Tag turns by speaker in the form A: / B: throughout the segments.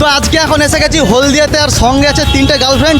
A: আজকে এখন এসে গেছি হলদিয়াতে, আর সঙ্গে আছে 3টে গার্লফ্রেন্ড।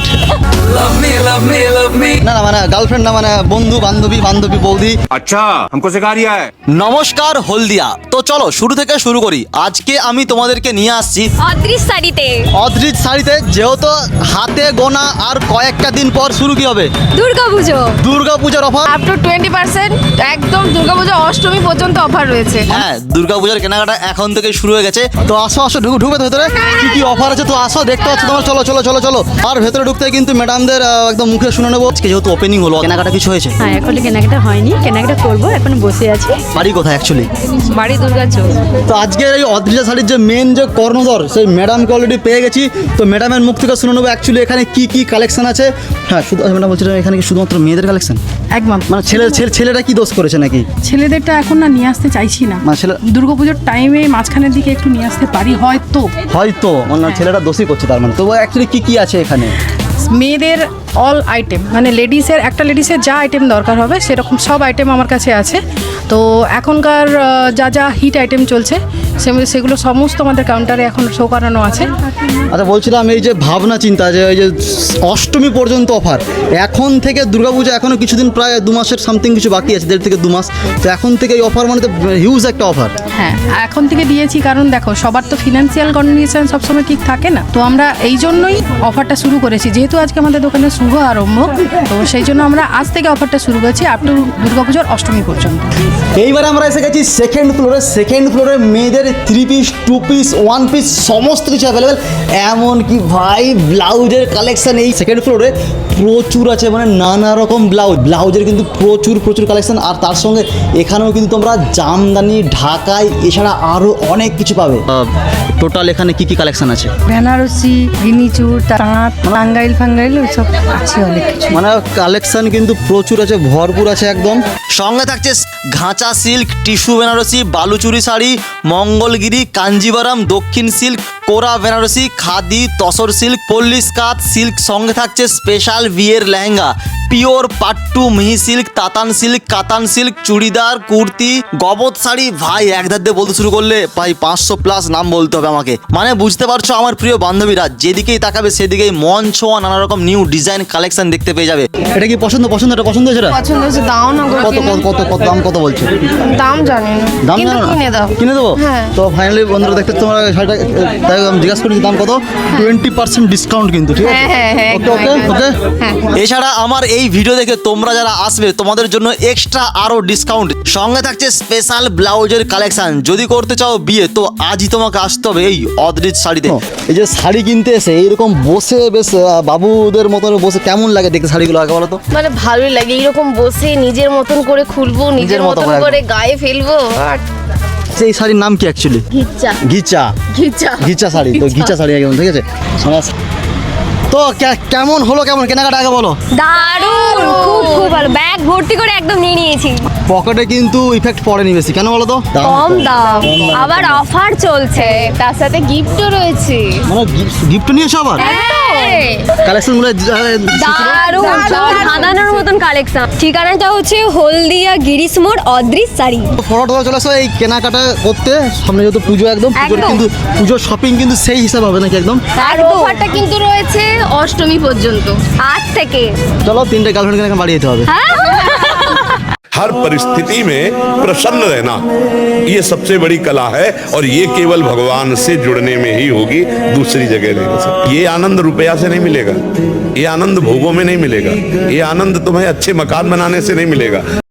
A: না না মানে গার্লফ্রেন্ড না, মানে বন্ধু বান্ধবী বৌদি।
B: अच्छा हमको सिखा रिया है।
A: নমস্কার হলদিয়া। তো চলো শুরু থেকে শুরু করি। আজকে আমি তোমাদেরকে নিয়ে আসছি
C: অদৃশ শাড়িতে।
A: অদ্রিজ শাড়িতে, যেহেতু হাতে গোনা আর কয়েকটা দিন পর শুরু কি হবে,
C: দুর্গাপুজো।
A: দুর্গাপূজার অফার।
D: আপ টু 20% একদম দুর্গাপূজা অষ্টমী পর্যন্ত অফার রয়েছে।
A: হ্যাঁ, দুর্গাপূজার কেনাকাটা এখন থেকে শুরু হয়ে গেছে। তো আসো আসো ঢুকবে তো ভেতরে, কি কি অফার আছে তো আসো, দেখতে পাচ্ছ তোমার। চলো চলো চলো চলো। আর ভেতরে ঢুকতে কিন্তু ম্যাডামদের একদম মুখে শুনে নেবো। আজকে যেহেতু ওপেনিং হলো, কেনাকাটা কিছু হয়েছে?
C: হ্যাঁ, এখনো কেনাকাটা হয়নি, কেনাকাটা করবো, এখন বসে আছি।
A: বাড়ি কোথায় অ্যাকচুয়ালি?
C: বাড়ি দুর্গাচৌক।
A: তো আজকের এই অদ্রিজা শাড়ির যে মেন যে কর্ণধর, সেই ম্যাডামকে অলরেডি পেয়ে গেছি। তো ম্যাডামের মুখ থেকে শুনে নেবো অ্যাকচুয়ালি এখানে কি কি কালেকশন আছে। হ্যাঁ, শুধু ম্যাডাম বলছিলাম এখানে কি শুধুমাত্র মেয়েদের কালেকশন?
D: একদম
A: মানে ছেলেরা কি দোষ করেছে নাকি?
D: ছেলেদেরটা এখন না নিয়ে আসতে চাইছি না,
A: মানে ছেলে
D: দুর্গাপুজোর টাইমে মাঝখানের দিকে একটু নিয়ে আসতে পারি হয়তো।
A: হয়তো মানে ছেলেরা দোষই করছে তার মানে। তো অ্যাকচুয়ালি কি কি আছে এখানে?
D: মেয়েদের অল আইটেম, মানে লেডিসের লেডিসের যা আইটেম দরকার হবে সেরকম সব আইটেম আমার কাছে আছে। তো এখনকার যা যা হিট আইটেম চলছে সেগুলো সমস্ত আমাদের কাউন্টারে এখন শো করানো আছে।
A: আচ্ছা, বলছিলাম এই যে ভাবনা চিন্তা যে এই যে অষ্টমী পর্যন্ত অফার, এখন থেকে দুর্গাপূজা এখনো কিছুদিন, প্রায় 2 মাসের সামথিং কিছু বাকি আছে, 1.5 থেকে 2 মাস। তো এখন থেকে এই অফার মানে তো হিউজ একটা অফার।
D: হ্যাঁ, এখন থেকে দিয়েছি কারণ দেখো সবার তো ফিনান্সিয়াল কন্ডিশন সবসময় ঠিক থাকে না। তো আমরা এই জন্যই অফারটা শুরু করেছি, যেহেতু আজকে আমাদের দোকানের শুভ আরম্ভ, তো সেই জন্য আমরা আজ থেকে অফারটা শুরু করেছি আপ টু দুর্গাপুজোর অষ্টমী পর্যন্ত।
A: এইবার আমরা এসে গেছি সেকেন্ড ফ্লোরে মেয়েদের 3 পিস 2 পিস 1 পিস সমস্ত কিছু অ্যাভেলেবেল। এমনকি ভাই ব্লাউজের কালেকশন এই সেকেন্ড ফ্লোরে প্রচুর আছে, মানে নানা রকম ব্লাউজের কিন্তু প্রচুর কালেকশন। আর তার সঙ্গে এখানেও কিন্তু তোমরা জামদানি, ঢাকাই, এছাড়া আরও অনেক কিছু পাবে। টোটাল এখানে কি কি কালেকশন আছে?
E: বেনারসি, গিনিচুর, তাঁত, টাঙ্গাইল ওইসব আছে অনেক কিছু।
A: মানে কালেকশন কিন্তু প্রচুর আছে, ভরপুর আছে একদম। সঙ্গে থাকছে ঘাঁচা সিল্ক, টিস্যু বেনারসি, বালুচুরি শাড়ি, মঙ্গলগিরি, কাঞ্জিভারাম, দক্ষিণ সিল্ক, কোরা বেনারসি, খাদি, তসর সিল্ক, পল্লী স্কাত সিল্ক। সঙ্গে থাকছে স্পেশাল বিয়ের লেহেঙ্গা, পিওর পাট্টু, মিহি সিল্ক, তাতান সিল্ক, কাতান সিল্ক, চুড়িদার, কুর্তি, গবত শাড়ি। ভাই এক ধার দিয়ে বলতে শুরু করলে ভাই 500+ নাম বলতে হবে আমাকে। মানে বুঝতে পারছো আমার প্রিয় বান্ধবীরা, যেদিকেই তাকাবে সেদিকেই মন ছোঁয়া নানা রকম নিউ ডিজাইন কালেকশন দেখতে পেয়ে যাবে। এটা কি পছন্দ এটা পছন্দ হয়েছে?
D: পছন্দ হচ্ছে, দাও না গো।
A: কত দাম কত বলছে?
D: দাম জানি না,
A: দাম
D: কিন্তু
A: জানো না?
D: কিনে দাও।
A: কিনে দেবো?
D: হ্যাঁ।
A: তো ফাইনালি বন্ধুরা দেখতে তোমরা শাড়িটা, তাই আমি জিজ্ঞাসা করেছি দাম কত। 20% ডিসকাউন্ট কিন্তু, ঠিক আছে?
D: হ্যাঁ,
A: ওকে ওকে
D: একদম।
A: ওকে। এছাড়া আমার এই ভিডিও দেখে তোমরা যারা আসবে তোমাদের জন্য এক্সট্রা আরো ডিসকাউন্ট। সঙ্গে থাকছে স্পেশাল ব্লাউজের কালেকশন। যদি করতে চাও বিয়ে তো আজই তোমাকে আসতে হবে এই অদ্রিজ শাড়িতে। এই যে শাড়ি কিনতে এসে এইরকম বসে বেশ বাবুদের মতন বসে কেমন লাগে দেখতে শাড়িগুলো আগে বলো তো?
F: মানে ভালোই লাগে এইরকম বসে নিজের মতন করে খুলবো, নিজের মতন করে গায়ে ফেলবো। আর
A: সেই শাড়ির নাম কি অ্যাকচুয়ালি? ঘিচা শাড়ি। তো ঘিচা শাড়ি একদম, ঠিক আছে। তো কেমন হলো, কেমন কেনাকাটা আগে বলো?
C: দারুণ, খুব ভালো। ব্যাগ ভর্তি করে একদম নিয়ে নিয়েছি।
A: পকেটে কিন্তু ইফেক্ট পড়েনি বেশি, কেন বলো তো?
C: কম দাম, আবার অফার চলছে,
F: তার সাথে গিফটও রয়েছে।
A: মানে গিফট নিয়েছো আবার? কালেকশন গুলো
C: দারুণ, সাধারণের মতন কালেকশন। ঠিকানাটা হচ্ছে হলদিয়া গিরিশ মোড়, অদ্রিজ শাড়ি।
A: ফটো চলে আসো এই কেনাকাটা করতে। সামনে যেহেতু পুজো, একদম পুজোর
C: একদম।
A: কিন্তু পুজোর শপিং কিন্তু সেই হিসাবে হবে নাকি একদম।
F: আর অফারটা কিন্তু রয়েছে অষ্টমী পর্যন্ত।
C: আজ থেকে
A: চলো 3টে গার্লফ্রেন্ড কেনাকাটা বাড়িয়ে যেতে হবে।
B: हर परिस्थिति में प्रसन्न रहना ये सबसे बड़ी कला है और ये केवल भगवान से जुड़ने में ही होगी, दूसरी जगह नहीं हो सकती। ये आनंद रुपया से नहीं मिलेगा, ये आनंद भोगों में नहीं मिलेगा, ये आनंद तुम्हें अच्छे मकान बनाने से नहीं मिलेगा।